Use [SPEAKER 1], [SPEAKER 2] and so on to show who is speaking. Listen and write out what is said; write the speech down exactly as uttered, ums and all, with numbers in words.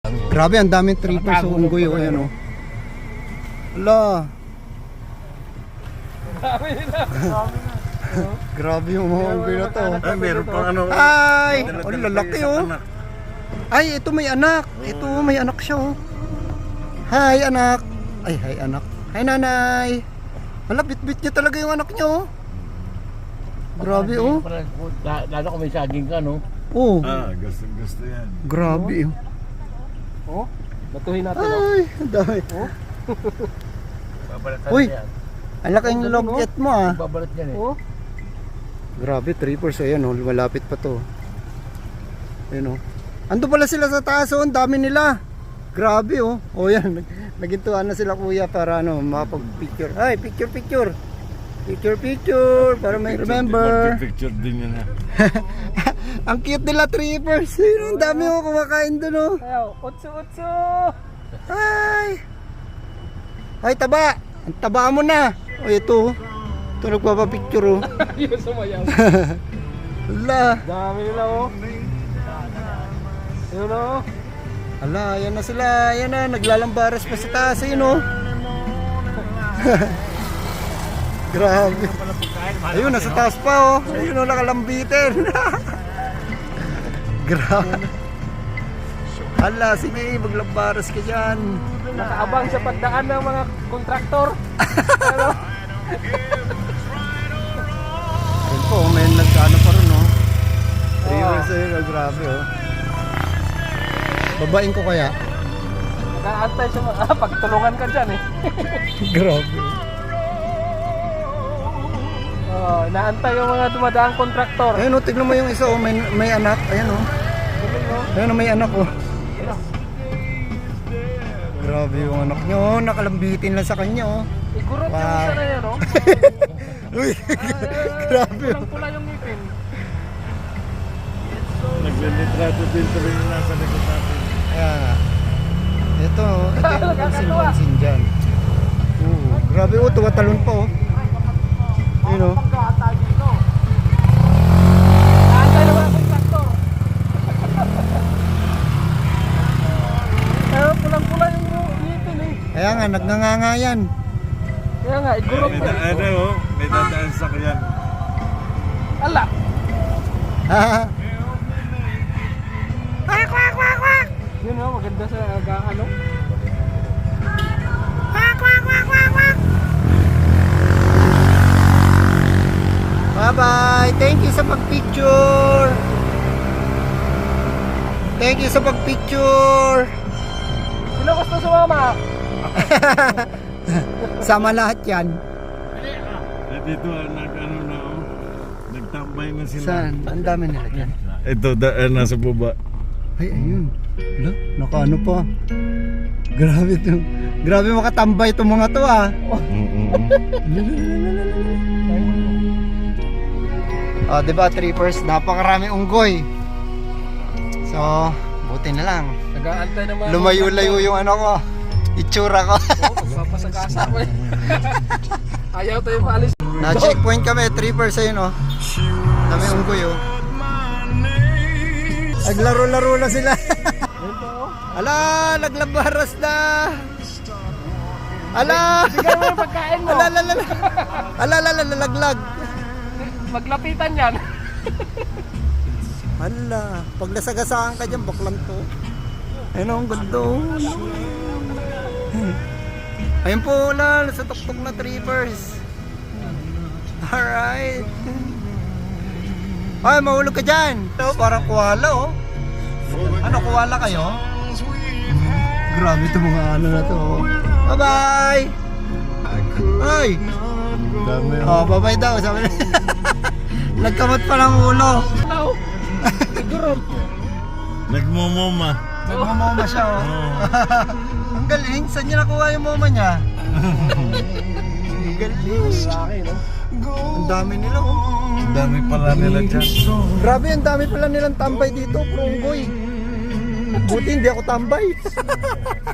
[SPEAKER 1] Grabe, ang daming trippers sa unggoy. O, ayan o. Ala. Grabe yung mga unggoy na to.
[SPEAKER 2] Ay, meron pang ano.
[SPEAKER 1] Ay! Oh, lalaki oh. Ay, ito may anak. Ito may anak siya oh. Hi anak. Ay, hi anak. Hi nanay. Hala, bit-bit niya talaga yung anak niya oh. Grabe oh.
[SPEAKER 2] Lalo kung may saging ka, no?
[SPEAKER 1] Oh.
[SPEAKER 3] Ah, gusto gusto yan.
[SPEAKER 1] Grabe oh.
[SPEAKER 2] Oh, batuhin natin, oh.
[SPEAKER 1] Ay, ang dami.
[SPEAKER 2] Oh. Babalat
[SPEAKER 1] Uy.
[SPEAKER 2] yan.
[SPEAKER 1] Ang laking loget mo ah.
[SPEAKER 2] Babalat yan, eh.
[SPEAKER 1] Oh. Grabe, trippers. Ayan oh, malapit pa to. Ayan oh. Ando pala sila sa taas oh, ang dami nila. Grabe oh. Oh yan, nagintuan na sila kuya para ano, makapag-picture. Ay, picture picture. Picture picture para may remember.
[SPEAKER 3] Picture din yan ha.
[SPEAKER 1] Ang cute nila trippers. Ayun, ang dami oh kumakain doon oh.
[SPEAKER 2] Ayaw, utso utso.
[SPEAKER 1] Ay. Ay, taba. Ang taba mo na. Oh, ito. Ito nagpapapicture oh.
[SPEAKER 2] Yung sumayaw.
[SPEAKER 1] Hala.
[SPEAKER 2] Dami nila, oh. Yun, oh.
[SPEAKER 1] Hala, ayan na sila. Ayan na, naglalambaras pa sa taas. Ayun oh. Grabe. Ayun, nasa taas pa oh. Ayun oh, nakalambitin. Grabe. Hala, sige, maglambaras ka dyan.
[SPEAKER 2] Nakaabang sa pagdaan ng mga kontraktor. Ano?
[SPEAKER 1] Ayun po, may nagkano pa rin oh. Three hours ayun, oh, grabe oh. Babain ko kaya?
[SPEAKER 2] Nakaantay siya, ah, pagtulungan ka dyan, eh.
[SPEAKER 1] Grabe.
[SPEAKER 2] Oh, inaantay yung mga dumadaang kontraktor.
[SPEAKER 1] Ayun oh, tignan mo yung isa oh, may, may anak. Ayan oh. Ayun oh, may anak oh. Grabe yung anak niya oh, nakalambitin lang sa kanya oh.
[SPEAKER 2] Igurot
[SPEAKER 1] Wow.
[SPEAKER 2] yung isa na yan, oh.
[SPEAKER 1] Uy, grabe.
[SPEAKER 2] Pulang-pula yung ngipin.
[SPEAKER 3] Naglilitrato din tuloy yung nasa likod natin.
[SPEAKER 1] Kaya nga. Ito oh, ito yung pansin-pansin dyan. Oo, grabe oh, tuwatalon pa oh. Ayun oh.
[SPEAKER 2] Pagkaatay dito. Naantay ng mga kontraktor. Pero pulang-pula yung ngipin, eh.
[SPEAKER 1] Kaya nga, nagnanganga yan.
[SPEAKER 2] Kaya nga, igurot
[SPEAKER 3] May
[SPEAKER 2] pa.
[SPEAKER 3] daan oh, may dadaan sa kyan.
[SPEAKER 2] Ala!
[SPEAKER 1] Kwak, kwak, kwak, kwak.
[SPEAKER 2] Yun, oh, maganda sa aga, ano?
[SPEAKER 1] Kwak, kwak, kwak, kwak, kwak. Bye-bye. Thank you sa pag-picture. Thank you sa pag-picture.
[SPEAKER 2] Sino gusto sumama?
[SPEAKER 1] Sama lahat yan.
[SPEAKER 3] Eh, dito ah, nag ano na oh. Nagtambay na sila.
[SPEAKER 1] Saan? Ang dami nila dyan.
[SPEAKER 3] Ito, daan nasa baba.
[SPEAKER 1] Ay, ayun. Wala, nakaano pa. Grabe to. Grabe makatambay itong mga to ah. Oh, diba trippers? Napakarami unggoy. So, buti na lang.
[SPEAKER 2] Nag-aantay ng mga
[SPEAKER 1] Lumayo-layo yung ano ko. Itsura ko.
[SPEAKER 2] Oh, magpapasagasa ko, eh. Ayaw tayo paalis.
[SPEAKER 1] Na-checkpoint kami, trippers ayun oh. Dami unggoy oh. Naglaro-laro na sila. Ala, naglabaras na. Ala.
[SPEAKER 2] Bigyan mo yung pagkain mo.
[SPEAKER 1] Ala, ala, ala. Ala, ala, ala, laglag.
[SPEAKER 2] Maglapitan yan.
[SPEAKER 1] Ala, pag nasagasaan ka dyan, baklan to. Ayun oh, ang ganda oh. Ayun po ulan, sa tuktok na trippers. Alright. Ay, mahulog ka dyan. Ito, parang kuwala oh. Ano, kuwala kayo? Grabe ito mga ano na to oh. Bye-bye. Ay.
[SPEAKER 3] Dami
[SPEAKER 1] Oh, bye-bye daw. Sabi na. Nagkamot pa ng ulo.
[SPEAKER 2] Hello. Igurot.
[SPEAKER 3] Nagmumuma.
[SPEAKER 1] Nagmamoma siya oh. Ang galing. Saan niya nakuha yung moma niya? Ang galing.
[SPEAKER 2] Laki, no?
[SPEAKER 1] Ang dami nila oh.
[SPEAKER 3] Ang dami pala nila dyan.
[SPEAKER 1] Grabe, ang dami pala nilang tambay dito, pro unggoy. Buti hindi ako tambay.